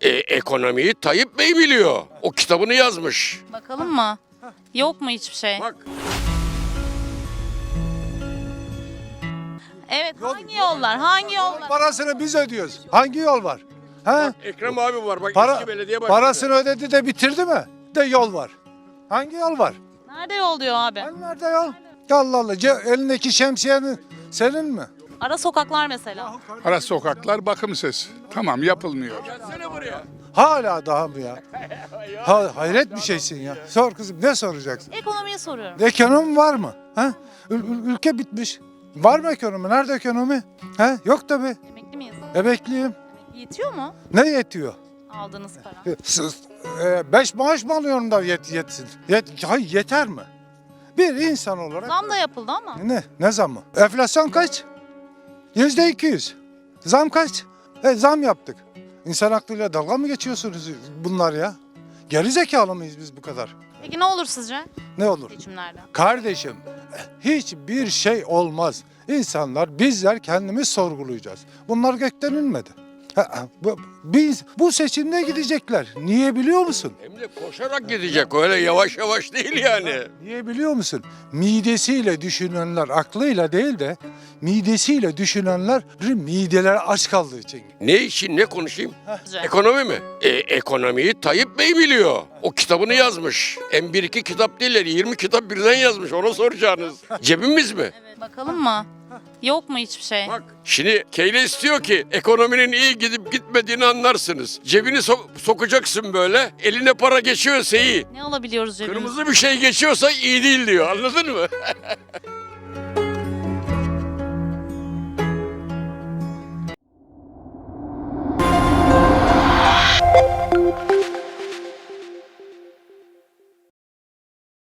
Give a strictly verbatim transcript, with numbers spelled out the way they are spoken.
E, ekonomiyi Tayyip Bey biliyor. O kitabını yazmış. Bakalım mı? Yok mu hiçbir şey? Bak. Evet, hangi yollar? Hangi yollar? Parasını biz ödüyoruz. Hangi yol var? He? Bak Ekrem abi var. Bak Para, eski belediye başkanı. parasını ödedi de bitirdi mi? De yol var. Hangi yol var? Nerede yol diyor abi? Hani nerede yol? Allah Allah. Ce- elindeki şemsiyenin senin mi? Ara sokaklar mesela. Ara sokaklar bakımsız. Tamam yapılmıyor. Gelsene buraya. Hala daha mı ya? Ha, hayret bir şeysin ya. Sor kızım, ne soracaksın? Ekonomiyi soruyorum. Ekonomi var mı? Ha? Ül- ül- ülke bitmiş. Var mı ekonomi? Nerede ekonomi? Ha? Yok tabii. Emekli miyiz? Emekliyim. Yetiyor mu Ne yetiyor? aldığınız para? E, Siz, e, beş maaş mı alıyorum da yet, yetsin? Yet, hayır, yeter mi? Bir insan olarak... Zam da yapıldı ama. Ne? Ne zamı? Enflasyon kaç? Yüzde iki yüz. Zam kaç? E, zam yaptık. İnsan aklıyla dalga mı geçiyorsunuz bunlar ya? Geri zekalı mıyız biz bu kadar? Peki ne olur sizce Ne olur? seçimlerde? Kardeşim, hiçbir şey olmaz. İnsanlar, bizler kendimiz sorgulayacağız. Bunlar gökten inmedi. Ha, ha, bu- Biz bu seçimde gidecekler. Niye biliyor musun? Hem de koşarak gidecek. Öyle yavaş yavaş değil yani. Niye biliyor musun? Midesiyle düşünenler, aklıyla değil de midesiyle düşünenler mideleri aç kaldığı için. Ne için ne konuşayım? Sizce? Ekonomi mi? E, ekonomiyi Tayyip Bey biliyor. O kitabını yazmış. Hem bir iki kitap değil, yirmi kitap birden yazmış. Ona soracağınız. Cebimiz mi? Evet, bakalım mı? Yok mu hiçbir şey? Bak şimdi Keynes diyor ki ekonominin iyi gidip gitmediğini anlarsınız. Cebini so- sokacaksın böyle. Eline para geçiyorsa iyi. Ne alabiliyoruz cebimizde? Kırmızı bir şey geçiyorsa iyi değil diyor. Anladın mı?